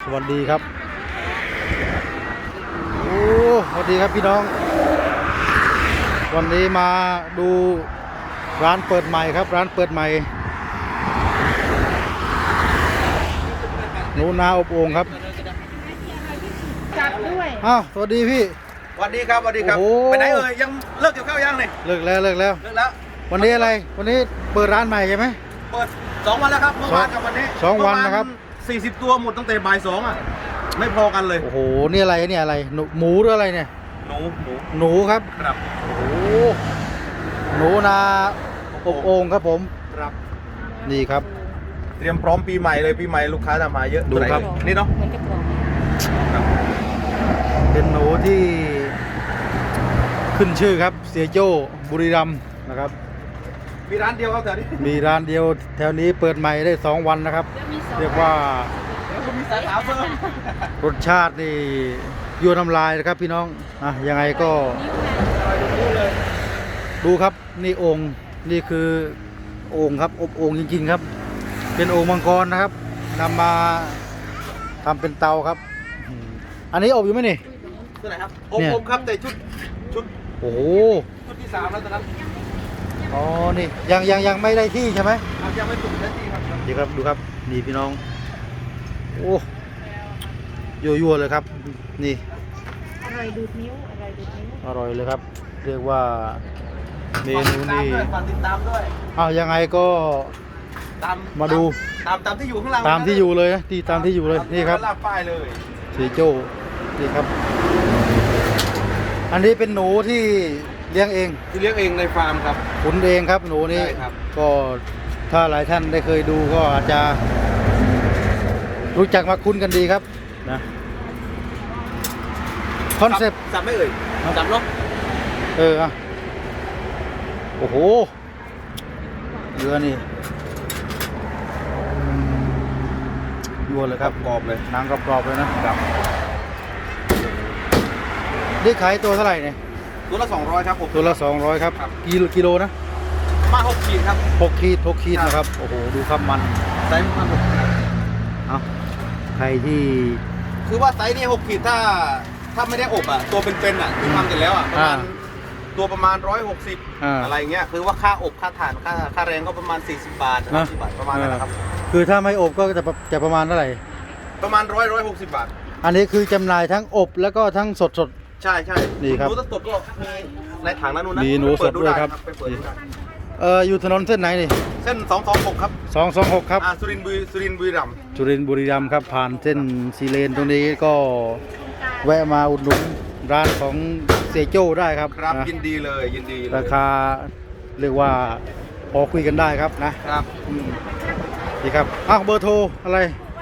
วัสดีครับโอ้สวัสดีครับพี่น้องวันนี้มาดูร้านเปิดใหม่ครับร้านเปิดใหม่หนูนาอบโอ่งครับจัดด้วยอ้าวสวัสดีพี่สวัสดีครับสวัสดีครับไปไหนเอ่ยยังเลิกเกี่ยวข้าวยังเนี่ยเลิกแล้ววันนี้อะไรวันนี้เปิดร้านใหม่ใช่ไหมเปิด2 วันแล้วครับเมื่อวานกับวันนี้ 2 วันนะครับ 40 ตัวหมดตั้งแต่บ่าย 2อ่ะไม่พอกันเลยโอ้โหนี่อะไรเนี่ยอะไรหมูหรืออะไรเนี่ยหนูครับครับโอ้หนูนาอบโอ่งครับผมครับนี่ครับเตรียมพร้อมปีใหม่เลยปีใหม่ลูกค้าจะมาเยอะดูครับนี่เนาะเหมือนจะกรอบเป็นหนูที่ขึ้นชื่อครับเสียโจ้บุรีรัมย์นะครับมีร้านเดียวครับแถวนี้มีร้านเดียวแถวนี้เปิดใหม่ได้2 วันนะครับเรียกว่ามีสาขาเพิ่มรสชาตินี่ยั่วน้ำลายนะครับพี่น้องยังไงก็ดูครับนี่โอ่งนี่คือโอ่งครับอบโอ่งจริงๆครับเป็นโอ่งมังกรนะครับนำมาทำเป็นเตาครับอันนี้อบอยู่ไหมนี่ตัวไหนครับอบครับแต่ชุดโอ้โหชุดที่3แล้วตอนนั้นอ๋อนี่ยังไม่ได้ที่ใช่ไหมยังไม่ถูกได้ที่ครับดีครับดูครับนี่พี่น้องโอ้ยั่วเลยครับนี่อร่อยดูดนิ้วอร่อยเลยครับเรียกว่าเมนูนี้ฝากติดตามด้วยยังไงก็มาดูตามที่อยู่ข้างล่างตามที่อยู่เลยนะที่ตามที่อยู่เลยนี่ครับลากป้ายเลยเสียโจ้นี่ครับอันนี้เป็นหนูที่เลี้ยงเองในฟาร์มครับขุนเองครับหนูนี้ก็ถ้าหลายท่านได้เคยดูก็อาจจะรู้จักมาคุ้นกันดีครับนะคอนเซ็ปต์จับไม่เอ่ยจับเนาะโอ้โหเรือนี่ยั่วเลยครับกรอบเลยหนังกรอบเลยนะครับได้ขายตัวเท่าไหร่เนี่ยตัวละ200ครับผมตัวละ200ครับกิโลนะมา6 ขีดครับ 6 ขีดนะครับโอ้โหดูครับมันไซส์มันใครที่คือว่าไซส์นี่6 ขีดถ้าไม่ได้อบอ่ะตัวเป็นๆอ่ะที่ทำเสร็จแล้วอ่ะประมาณ160อะไรเงี้ยคือว่าค่าอบค่าถ่านค่าแรงก็ประมาณ40 บาท50 บาทประมาณนั้นนะครับคือถ้าไม่อบก็จะประมาณเท่าไหร่ประมาณ160 บาทอันนี้คือจำหน่ายทั้งอบแล้วก็ทั้งสดใช่นี่ครับหนูสดก็มีในถังนั้นนู่นนะมีหนูสดด้วยครับอยู่ถนนเส้นไหนนี่เส้น226ครับ 226ครับสุรินทร์บุรีรัมย์ครับผ่านเส้นซีเลนตรงนี้ก็แวะมาอุดหนุนร้านของเสียโจ้ได้ครับยินดีเลยราคาเรียกว่าพอคุยกันได้ครับนะครับดีครับเบอร์โทรอะไร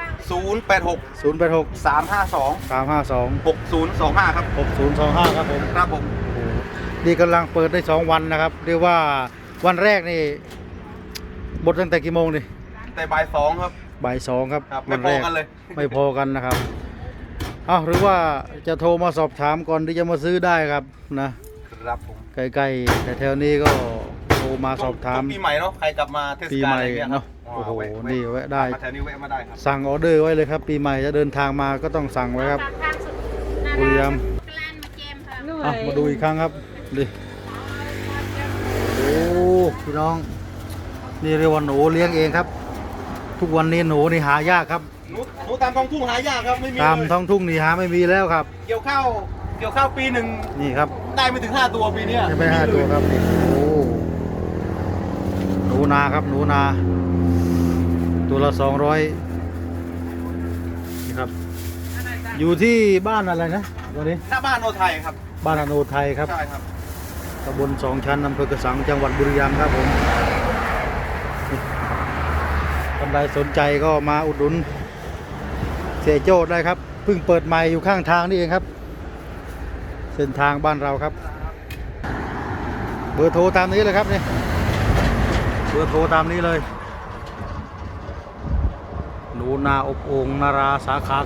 086 352 6025ครับ 6025ครับผมครับผมนี่กำลังเปิดได้2 วันนะครับเรียกว่าวันแรกนี่หมดตั้งแต่กี่โมงนี่แต่บ่าย 2ครับบ่าย 2ครับไม่พอกันเลยไม่พอกันนะครับหรือว่าจะโทรมาสอบถามก่อนที่จะมาซื้อได้ครับนะครับผมใกล้ๆแต่แถวนี้ก็โทรมาสอบถามปีใหม่เนาะใครกลับมาเทศกาลอะไรเงี้ยเนาะโอ้โหนี่แวะได้แถวนี้แวะมาได้ครับสั่งออเดอร์ไว้เลยครับปีใหม่จะเดินทางมาก็ต้องสั่งไว้ครับบุรีรัมย์มาดูอีกครั้งครับดิโอ้พี่น้องนี่เรียกว่าหนูเลี้ยงเองครับทุกวันนี้หนูนี่หายากครับหนูตามท้องทุ่งหายากครับไม่มีตามท้องทุ่งนี่หาไม่มีแล้วครับเกี่ยวข้าวปีหนึ่งนี่ครับได้ไม่ถึง5 ตัวปีนี้ไม่5 ตัวครับนี่โอ้หนูนาครับหนูนาตัวละ200นี่ครับอยู่ที่บ้านอะไรนะตัวนี้หน้าบ้านโนไทยครับบ้านโนไทยครับใช่ครับตำบล2 ชั้นอำเภอกระสังจังหวัดบุรีรัมย์ครับผมท่านใดสนใจก็มาอุดหนุนเสียโจ้ได้ครับเพิ่งเปิดใหม่อยู่ข้างทางนี่เองครับเส้นทางบ้านเราครับเบอร์โทรตามนี้เลยครับนี่เบอร์โทรตามนี้เลยหนูนาอบโอ่งนาราสาขา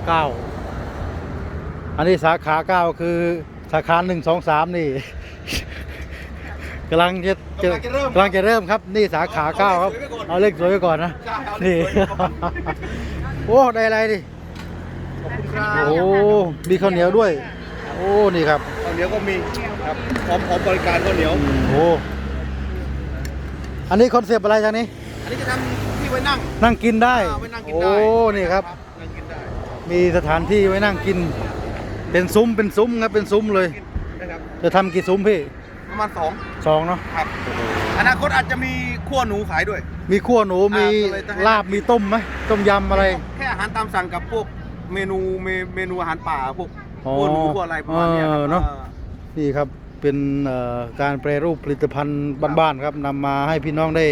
9อันนี้สาขา9คือสาขา1 2 3นี่กำลังจะเริ่มครับนี่สาขา9ครับเอาเลขสวยไปก่อนนะนี่โอ้ได้อะไรดิคุณครับโอ้มีข้าวเหนียวด้วย โอ้นี่ครับข้าวเหนียวก็มีครับพร้อมบริการข้าวเหนียวโอ้อันนี้คอนเซปต์อะไรจากนี้อันนี้จะทำที่ไว้นั่งนั่งกินได้ไว้นั่งกินโอ้ได้นี่ครับนั่งกินได้มีสถานที่ไว้นั่งกิน เป็นซุ้มครับเป็นซุ้มเลยนะครับจะทำกี่ซุ้มพี่ประมาณ2 2เนาะครับอนาคตอาจจะมีขั้วหนูขายด้วยมีขั้วหนูมีก็เลยจะให้ลาบมีต้มไหมต้มยำอะไรแค่อาหารตามสั่งกับพวกเมนูอาหารป่าพวกอ๋อขั้วหนูขั้วอะไรประมาณเนี้ยครับเนอะ นี่ครับเป็นการแปรรูปผลิตภัณฑ์บ้านๆครับนำมาให้พี่น้องได้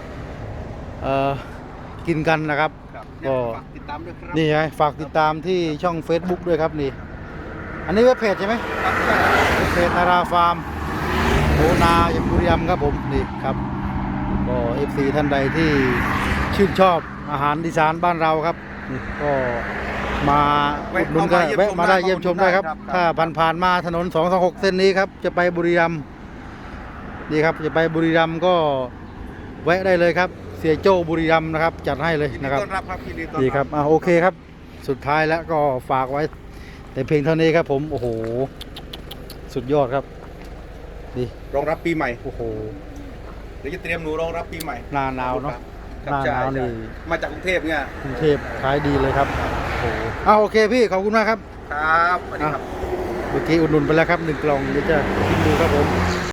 กินกันนะครับครับก็ฝากติดตามด้วยครับนี่ไงฝากติดตามที่ช่อง Facebook ด้วยครับนี่ อันนี้เว็บเพจใช่ไหมครับเพจนาราฟาร์มโหนาอย่างบุรีรัมย์ครับผมนี่ครับก็ FC ท่านใดที่ชื่นชอบอาหารอีสานบ้านเราครับนี่ก็มาอุดหนุนกันแวะมาได้เยี่ยมชมได้ครับ ถ้าผ่านมาถนน226เส้นนี้ครับจะไปบุรีรัมย์นี่ครับจะไปบุรีรัมย์ก็แวะได้เลยครับ เสียโจ้บุรีรัมย์นะครับจัดให้เลยยินดีนะครับต้อนรับครับยินดีต้อนดีรับครับโอเคครับสุดท้ายแล้วก็ฝากไว้แต่เพียงเท่านี้ครับผมโอ้โหสุดยอดครับดีรองรับปีใหม่โอ้โหเดี๋ยวจะเตรียมหนูรองรับปีใหม่หน้าหนาวเนาะครับหน้าหนาวใช่นี่มาจากกรุงเทพเนี่ยกรุงเทพขายดีเลยครับโอ้โหโอเคพี่ขอบคุณมากครับครับสวัสดีครับเมื่อกี้อุดหนุนไปแล้วครับ1 กล่องเดี๋ยวจะกินดูครับผม